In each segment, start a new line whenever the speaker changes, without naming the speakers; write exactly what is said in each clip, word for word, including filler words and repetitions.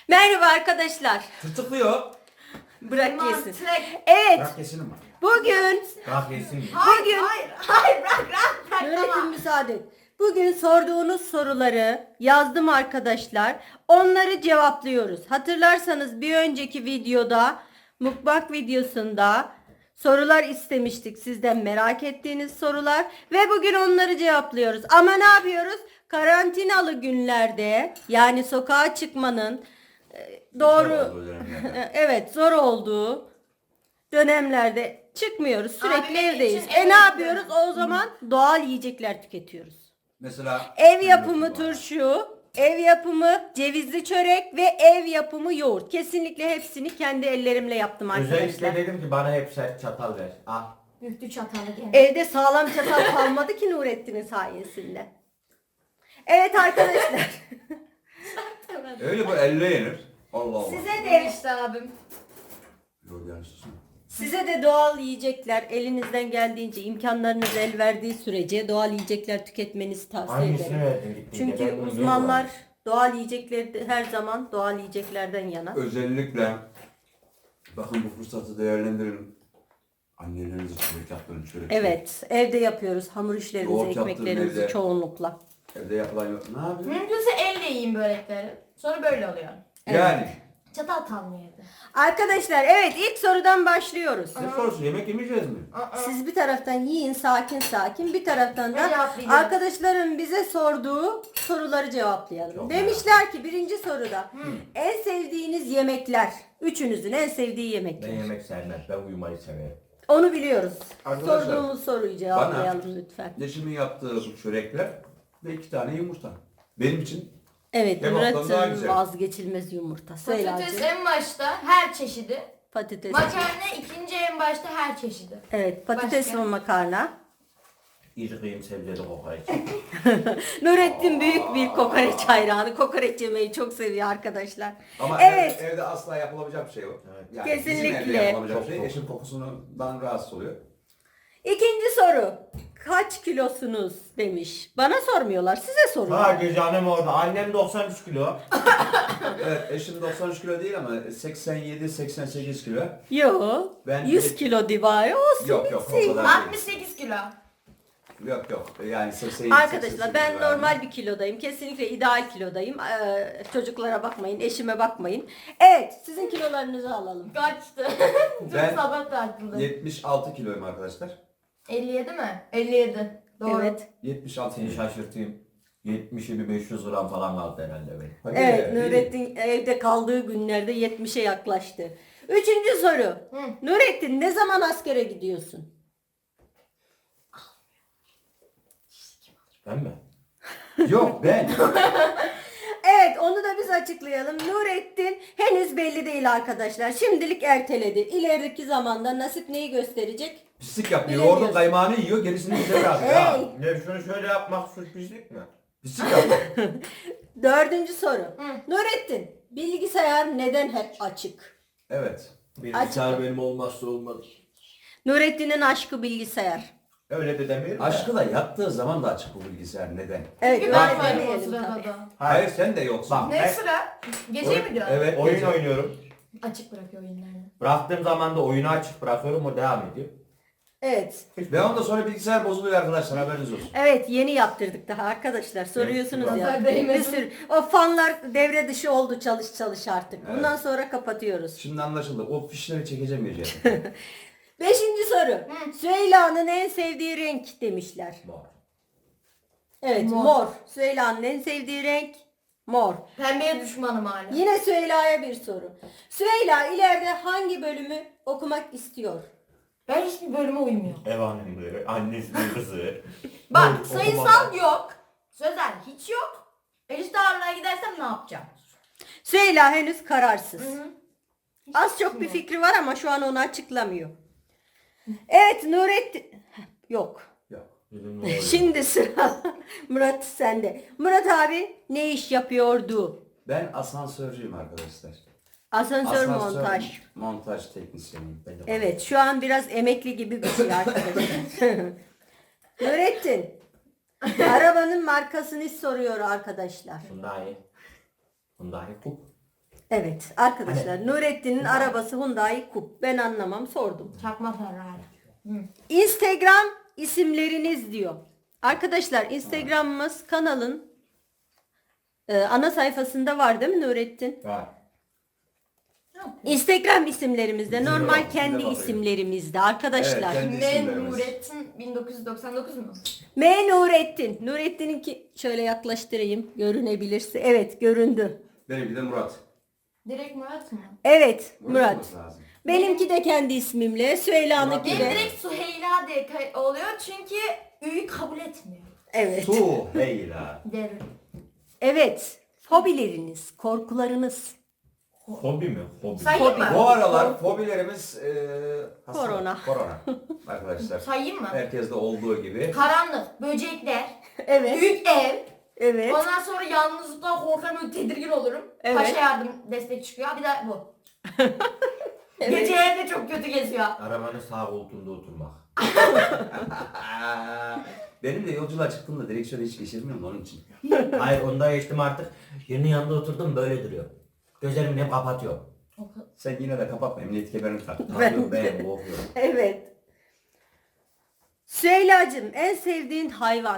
Merhaba arkadaşlar.
Tırtıklıyor.
Bırak yesin.
Mantık.
Evet.
Bırak yesin ama.
Bugün
Bırak yesin.
Hayır,
Bugün-
hayır, hayır, bırak, bırak, bırak,
öğretim
tamam.
müsaade et. Bugün sorduğunuz soruları yazdım arkadaşlar. Onları cevaplıyoruz. Hatırlarsanız bir önceki videoda, mukbang videosunda sorular istemiştik sizden, merak ettiğiniz sorular ve bugün onları cevaplıyoruz. Ama ne yapıyoruz? Karantinalı günlerde, yani sokağa çıkmanın e, doğru evet zor olduğu dönemlerde çıkmıyoruz. Sürekli
Abimin
evdeyiz.
için
E
eve
ne yapıyoruz?
gidiyorum.
O zaman doğal yiyecekler tüketiyoruz.
Mesela
Ev yapımı turşu, ev yapımı cevizli çörek ve ev yapımı yoğurt. Kesinlikle hepsini kendi ellerimle yaptım
Özellikle
arkadaşlar.
dedim ki bana hep sert çatal ver. Al.
Büktü çatalı gene.
Evde sağlam çatal kalmadı ki Nurettin'in sayesinde. Evet arkadaşlar.
öyle bu elle yenir. Allah Allah.
Size de
Demişti abim.
Yok yani susun.
Size de doğal yiyecekler elinizden geldiğince, imkanlarınız el verdiği sürece doğal yiyecekler tüketmenizi tavsiye
Hangisini
ederim.
verdin gittiğinde?
Çünkü
Ben bunu
uzmanlar
görmedim.
doğal yiyecekleri her zaman doğal yiyeceklerden yana.
Özellikle bakın bu fırsatı değerlendirin. Annelerinizi çörek yaptırın çörek.
Evet, evde yapıyoruz hamur işlerimizi,
Yoğurt yaptırın
ekmeklerimizi
evde.
çoğunlukla.
Evde yapılan yok. Ne yapıyorsun?
Mümkünse elle yiyin börekleri. Sonra böyle oluyor.
Yani.
Çatal kalmıyor evde.
Arkadaşlar evet ilk sorudan başlıyoruz.
Ne sorusu? Yemek yemeyeceğiz mi?
Siz bir taraftan yiyin sakin sakin, bir taraftan
Ne
da
cevaplayacağız?
arkadaşların bize sorduğu soruları cevaplayalım.
Çok
Demişler ki birinci soruda en sevdiğiniz yemekler, üçünüzün en sevdiği
Ben
yemekler.
yemek sevmem. Ben uyumayı severim.
Onu biliyoruz.
Arkadaşlar,
Sorduğumuz soruyu cevaplayalım lütfen.
Eşimin yaptığı bu çörekler ve iki tane yumurta. Benim için
Evet,
Kebaptan daha
Murat'ın
güzel.
vazgeçilmez yumurta. Söyle
Patates
Hacı.
en başta her çeşidi.
Patates.
Makarna ikinci en başta her çeşidi.
Evet, patates
Başka?
ve makarna.
İri kıyım sebzeli kokoreç.
Nurettin büyük bir kokoreç hayranı. Kokoreç yemeyi çok seviyor arkadaşlar.
ama
Evet.
evde, evde asla yapılabilecek bir şey yok.
Evet.
Yani
Kesinlikle.
Bizim evde yapılabilecek
Çok
bir şey.
çok.
Eşim kokusundan rahatsız oluyor.
İkinci soru. Kaç kilosunuz demiş. Bana sormuyorlar, size soruyorlar.
Hadi canım orada. Annem doksan üç kilo.
Evet, eşim doksan üç kilo değil ama seksen yedi seksen sekiz kilo.
Yo.
Ben
yüz
de-
kilo civarı olsun.
Yok yok o
bitsin.
kadar değil.
altmış sekiz kilo.
Yok yok yani seksen yedi
Arkadaşlar ben normal bir kilodayım. Kesinlikle ideal kilodayım. Ee, çocuklara bakmayın, eşime bakmayın. Evet, sizin kilolarınızı alalım.
Kaçtı?
Ben-
Çok sabah tartıldı.
yetmiş altı kiloyum arkadaşlar.
elli yedi mi? elli yedi. Doğru.
Evet.
yetmiş altı
Seni
kilo.
şaşırtayım. yetmişe bir beş yüz gram falan kaldı herhalde benim.
Hadi
Evet,
iyi.
Nurettin evde kaldığı günlerde yetmişe yaklaştı. Üçüncü soru. Nurettin ne zaman askere gidiyorsun?
Ben mi?
Yok ben.
Evet, onu da biz açıklayalım. Nurettin henüz belli değil arkadaşlar. Şimdilik erteledi. İlerideki zamanda nasip neyi gösterecek?
Pislik yapıyor.
Bilemiyorsun.
Yoğurdun kaymağını yiyor gerisini bize bırakıyor.
Hey.
Ya.
Ne şunu şöyle yapmak suç pislik mi?
Pislik yapıyor.
Dördüncü soru. Nurettin, bilgisayar neden hep açık?
Evet.
Bilgisayar benim olmazsa olmaz.
Nurettin'in aşkı bilgisayar.
Öyle de demiyorum da.
Aşkı da yattığı zaman da açık bu bilgisayar. Neden?
Evet,
Çünkü
öyle
ben varım o
demeyelim
sırada
tabii.
da.
Hayır sen de yoksun.
Bak.
Ne
Ben-
sıra? Gece mi diyorsun?
Evet.
Oyun
gece.
oynuyorum.
Açık bırakıyor oyunlarını.
Bıraktığım zaman da oyunu açık bırakıyorum, o devam ediyor.
Evet.
Ve ondan sonra bilgisayar bozuluyor arkadaşlar haberiniz olsun.
Evet, yeni yaptırdık daha arkadaşlar. Soruyorsunuz ya.
Nazar değmesin.
Bir sürü. O fanlar devre dışı oldu, çalış çalış artık.
Evet.
Bundan sonra kapatıyoruz.
Şimdi anlaşıldı. O fişleri çekeceğim gece.
Beşinci soru. Süheyla'nın en sevdiği renk demişler.
Var.
Evet, mor.
Mor.
Süheyla'nın en sevdiği renk mor.
Pembeye düşmanım hala.
Yine Süheyla'ya bir soru. Süheyla ileride hangi bölümü okumak istiyor?
Ben hiçbir bölüme uymuyorum.
Ev hanımlığı, annesinin kızı.
Bak
Bu
sayısal
okumalar.
yok. Sözel hiç yok. Eşit ağırlığa gidersem ne yapacağım?
Süheyla henüz kararsız.
Hı hı.
Az çok bir fikri var ama şu an onu açıklamıyor. Evet, Nurettin... Yok.
Yok.
Dedim, ne oluyor?
Şimdi sıra Murat sende. Murat abi ne iş yapıyordu?
Ben asansörcüyüm arkadaşlar.
Asansör,
Asansör
montaj.
Montaj teknisyeniyim.
Ben de-
Evet, şu an biraz emekli gibi bir şey arkadaşlar. Nurettin. Arabanın markasını soruyor arkadaşlar.
Hyundai. Hyundai Coupe.
Evet arkadaşlar Nurettin'in arabası Hyundai Coupe. Ben anlamam sordum.
Çakma Ferrari. Hı.
Instagram isimleriniz diyor. Arkadaşlar Instagram'ımız kanalın e, ana sayfasında var değil mi Nurettin?
Var.
Instagram isimlerimizde
Bizim
normal
yok,
kendi
bizde var,
isimlerimizde arkadaşlar.
Evet, kendi
Ne
isimlerimiz.
Nurettin bin dokuz yüz doksan dokuz mu?
M Nurettin. Nurettin'inki şöyle yaklaştırayım görünebilirse. Evet göründü.
Benimki de Murat.
Direkt Murat mı?
Evet
Murat
Murat.
olması lazım.
Benimki de kendi ismimle. Süheyla'nınki
Benim
de.
direkt Süheyla diye kay- oluyor çünkü Ü'yü kabul etmiyor.
Evet.
Su heyla.
Derin.
Evet. Fobileriniz, korkularınız.
Hobi mi? Hobi.
Sayayım mı?
Bu aralar fobilerimiz e, hastalık,
Korona.
Korona. Arkadaşlar.
Sayayım mı?
Herkeste olduğu gibi.
Karanlık, böcekler,
Evet.
büyük ev.
Evet.
Ondan sonra yalnızlıktan korkarım, böyle tedirgin olurum.
Evet.
Paşa yardım destek çıkıyor. Bir de bu.
Evet.
Gece evde çok kötü geziyor.
Arabanın sağ koltuğunda oturmak.
Benim de yolculuğa çıktığımda direksiyonu hiç geçirmiyorum onun için.
Hayır onda geçtim artık. Yerinin yanında oturdum böyle duruyor. Gözlerimi hep kapatıyor.
Sen yine de kapatma emniyet kemerini tak.
Tanıyor ben korkuyorum.
Evet. Süheyla'cığım en sevdiğin hayvan?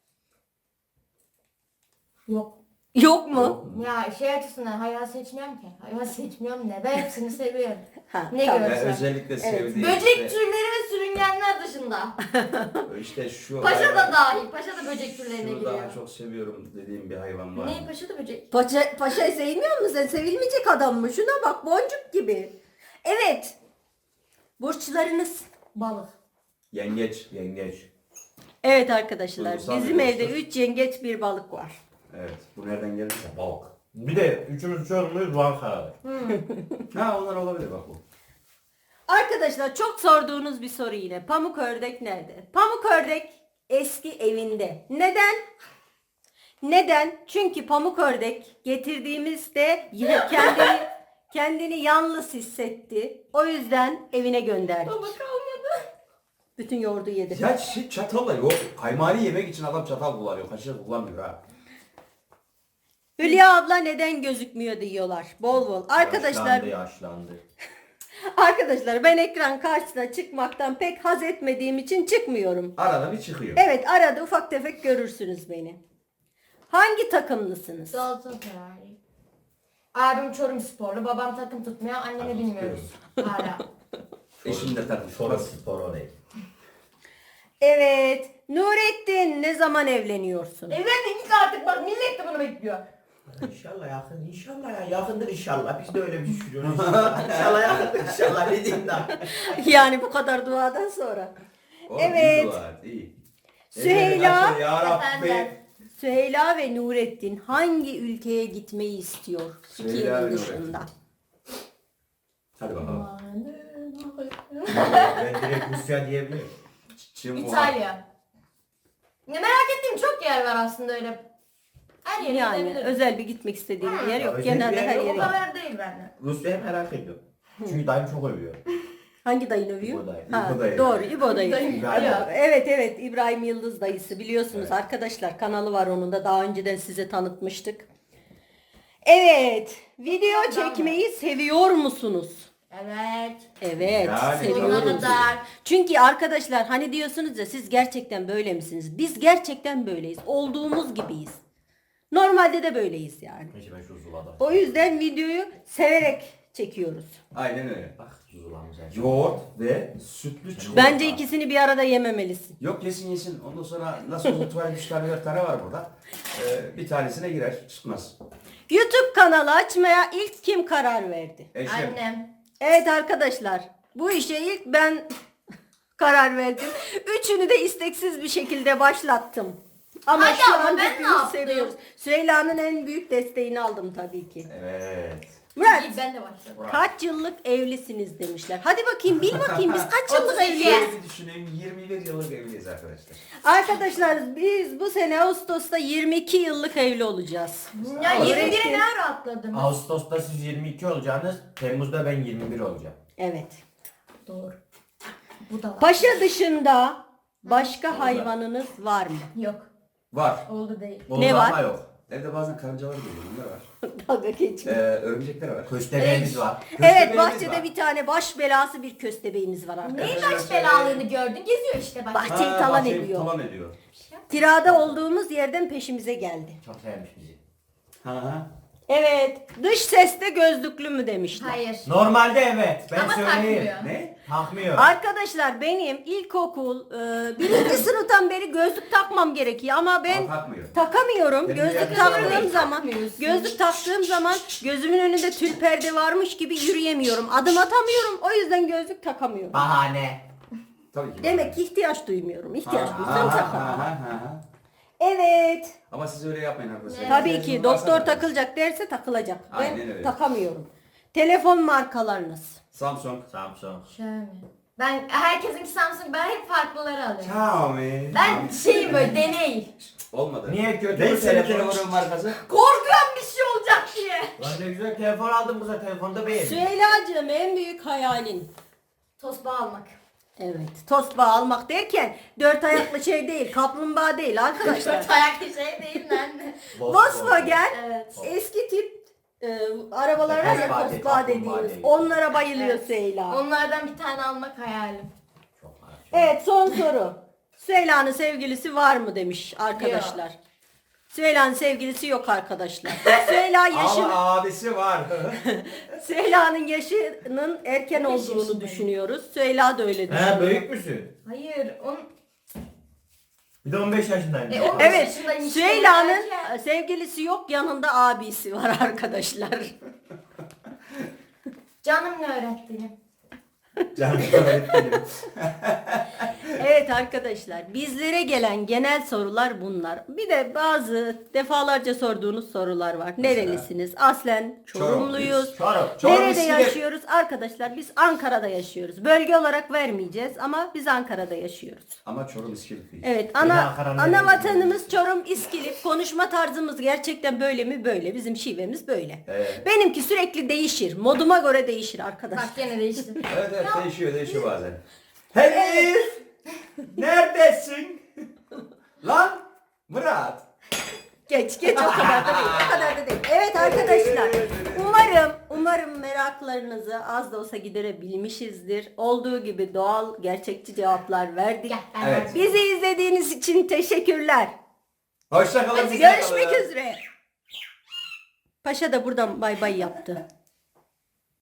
Yok.
Yok mu?
Ya şey açısından hayvan seçmiyorum ki. Hayvan seçmiyorum ne? Ben hepsini seviyorum.
Ha,
Ne
tamam.
Ve
görsen.
özellikle sevdiğim
Böcek
işte,
türleri ve sürüngenler dışında.
işte şu
Paşa da dahil. Paşa da böcek türlerine
şunu
giriyor.
daha çok seviyorum dediğim bir hayvan var.
Ne? Paşa da böcek.
Paşa, paşayı sevmiyor musun sen? Sevilmeyecek adam mı? Şuna bak boncuk gibi. Evet. Burçlarınız.
Balık.
Yengeç.
Yengeç.
Evet arkadaşlar
Duygusal
bizim
bir
evde
burçtur.
üç yengeç bir balık var.
Evet. Bu nereden geldi?
Balık. Bir de üçümüz çoğunluğuyuz var kararı.
Ha onlar olabilir bak bu.
Arkadaşlar çok sorduğunuz bir soru yine. Pamuk ördek nerede? Pamuk ördek eski evinde. Neden? Neden? Çünkü pamuk ördek getirdiğimizde yine kendini kendini yalnız hissetti. O yüzden evine gönderdik.
Baba kalmadı.
Bütün yoğurdu yedi.
Ya şey çatalla yok. Kaymağını yemek için adam çatal kullanıyor. Kaşık kullanmıyor ha.
Hülya abla neden gözükmüyor diyorlar. Bol bol. Arkadaşlar
Yaşlandı yaşlandı.
arkadaşlar ben ekran karşısına çıkmaktan pek haz etmediğim için çıkmıyorum.
Arada bir çıkıyor.
Evet arada ufak tefek görürsünüz beni. Hangi takımlısınız?
Galatasaray. Abim Çorum sporlu, babam takım tutmuyor, annemi bilmiyoruz. Hala.
Eşim de takmış.
Sonra spor orayı.
Evet. Nurettin ne zaman evleniyorsun?
Evlenin git artık bak millet de bunu bekliyor.
İnşallah yakın, inşallah ya yakındır inşallah. Biz de öyle bir düşünüyoruz. inşallah yakındır inşallah ne diyeyim daha.
Yani bu kadar duadan sonra.
O,
Evet.
iyi dua, iyi.
Süheyla.
Ellerini açın Ya Rabbi.
Efendim.
Süheyla ve Nurettin hangi ülkeye gitmeyi istiyor?
Süheyla ve
Türkiye'nin
Nurettin.
dışında.
Hadi bakalım.
Ben direkt Rusya diyebilirim.
Çin, Wuhan.
İtalya. Ne merak ettiğim çok yer var aslında öyle. Her yere
Yani
gidebilirim.
özel bir gitmek istediğim bir yer
Ya
yok.
özel bir
Genelde
yer
her
yok
O
yere.
kadar değil bende.
Rusya'yı merak ediyorum. Çünkü dayım çok övüyor.
Hangi dayın övüyor?
İbo dayı.
Ha,
İbo dayı.
doğru İbo dayı.
Dayım.
İbrahim.
Ya.
Evet evet İbrahim Yıldız dayısı biliyorsunuz
Evet.
arkadaşlar kanalı var onun da daha önceden size tanıtmıştık. Evet video çekmeyi seviyor musunuz?
Evet.
Evet
Yani
Sonuna
seviyoruz.
kadar.
Çünkü arkadaşlar hani diyorsunuz ya siz gerçekten böyle misiniz? Biz gerçekten böyleyiz. Olduğumuz gibiyiz. Normalde de böyleyiz yani.
Neyse ben şu zulada.
O yüzden videoyu severek çekiyoruz.
Aynen öyle.
Bak zulamız her
Yoğurt ve sütlü çikolata.
Bence ikisini bir arada yememelisin.
Yok yesin yesin. Ondan sonra nasıl olsa tuvalet üç tane dört tane var burada. Ee, bir tanesine girer çıkmaz.
YouTube kanalı açmaya ilk kim karar verdi?
Eşim.
Annem.
Evet arkadaşlar bu işe ilk ben karar verdim. Üçünü de isteksiz bir şekilde başlattım. Ama
Hadi
şu
ama
an
ben
hepimiz
ne yaptım?
seviyoruz. Süheyla'nın en büyük desteğini aldım tabii ki.
Evet.
Murat
İyi, ben de başladım.
kaç yıllık evlisiniz demişler. Hadi bakayım bil bakayım biz kaç yıllık
otuz iki.
evliyiz?
Şöyle bir düşüneyim. yirmi bir yıllık evliyiz arkadaşlar.
Arkadaşlar biz bu sene Ağustos'ta yirmi iki yıllık evli olacağız.
Ya
Nurettin.
yirmi biri ne ara atladın?
Ağustos'ta siz yirmi iki olacaksınız. Temmuz'da ben yirmi bir olacağım.
Evet.
Doğru. Bu da var.
Paşa dışında başka hayvanınız var mı?
Yok.
Var.
Oldu değil.
Oldu
Ne var?
ama yok.
Evde bazen karıncalar geliyor. Onlar var.
Dalga
Ee,
geçme.
örümcekler var.
Köstebeğimiz var.
Evet,
köstebeğimiz
bahçede
var.
bir tane baş belası bir köstebeğimiz var arkadaşlar.
Neyin baş belalığını gördün? Geziyor işte bak.
Bahçeyi
Ha,
talan
bahçeyi
ediyor.
Talan ediyor.
Kirada olduğumuz yerden peşimize geldi.
Çok sevmiş bizi.
Ha ha.
Evet, dış seste gözlüklü mü demişler.
Hayır.
Normalde evet. Ben
Ama
söyleyeyim.
takmıyor.
Ne?
Takmıyor.
Arkadaşlar benim ilkokul e, birinci sınıftan beri gözlük takmam gerekiyor ama ben
Aa, takmıyor.
takamıyorum.
Benim
Gözlük
yerde
taktığım
takmıyorum.
zaman
Takmıyorsun.
gözlük taktığım zaman gözümün önünde tül perde varmış gibi yürüyemiyorum. Adım atamıyorum. O yüzden gözlük takamıyorum.
Bahane.
Tabii ki.
Demek ki ihtiyaç duymuyorum. İhtiyaç
Ha,
duysam
ha,
takarım.
ha, ha, ha.
Evet.
Ama siz öyle yapmayın arkadaşlar.
Tabii ki
İhtiyacınız varsa
doktor
da-
takılacak derse takılacak.
Aynen
Ben
öyle.
takamıyorum. Telefon markalarınız.
Samsung.
Samsung.
Şöyle. Ben herkesinki Samsung, ben hep farklıları alıyorum.
Xiaomi.
Ben şeyim böyle deney.
Olmadı.
Niye kötü
Ne
bu
senin
telefon?
telefonun markası?
Korkuyorum bir şey olacak diye.
Lan ne güzel telefon aldım bu sefer. Telefonda beğendim.
Süheyla'cığım en büyük hayalin.
Tosbağa almak.
Evet. Tosbağa almak derken dört ayaklı şey değil, kaplumbağa değil arkadaşlar.
Dört ayaklı şey değil lan.
Volkswagen
Evet.
eski tip e, arabalar var ya
Tosbağa değil,
tosbağa
kaplumbağa
dediğimiz.
değil.
Onlara bayılıyor
Evet.
Süheyla.
Onlardan bir tane almak hayalim.
Çok merak ettim.
Evet son soru. Süheyla'nın sevgilisi var mı demiş arkadaşlar. Süheyla'nın sevgilisi yok arkadaşlar. Süheyla yaşın
Ama abisi var.
Süheyla'nın yaşının erken
beş
olduğunu
yaşındayım.
düşünüyoruz. Süheyla da öyle düşünüyor.
He büyük müsün?
Hayır, on...
Bir de on beş yaşındayım.
E, on-
Evet,
yaşındayım işte,
Süheyla'nın
erken.
sevgilisi yok, yanında abisi var arkadaşlar.
Canım ne öğrettiğini.
Canım öğretmenim.
Evet arkadaşlar, bizlere gelen genel sorular bunlar. Bir de bazı defalarca sorduğunuz sorular var. Nerelisiniz? Aslen Çorumluyuz.
Çorum.
Çorum
Nerede
İskilip.
yaşıyoruz? Arkadaşlar biz Ankara'da yaşıyoruz. Bölge olarak vermeyeceğiz ama biz Ankara'da yaşıyoruz.
Ama Çorum İskilip değil.
Evet,
Yine
ana
Ankara'nın
ana
neresi?
vatanımız Çorum İskilip. Konuşma tarzımız gerçekten böyle mi? Böyle. Bizim şivemiz böyle.
Evet.
Benimki sürekli değişir. Moduma göre değişir arkadaşlar.
Bak gene değişti.
Evet evet değişiyor değişiyor bazen.
Elif! Neredesin?
Lan Murat.
Geç geç o kadar da değil. O kadar da değil. Evet arkadaşlar. Umarım umarım meraklarınızı az da olsa giderebilmişizdir. Olduğu gibi doğal, gerçekçi cevaplar verdik.
Gel ben
Evet.
verdim.
Bizi izlediğiniz için teşekkürler.
Hoşça kalın.
Görüşmek üzere. Paşa da buradan bay bay yaptı.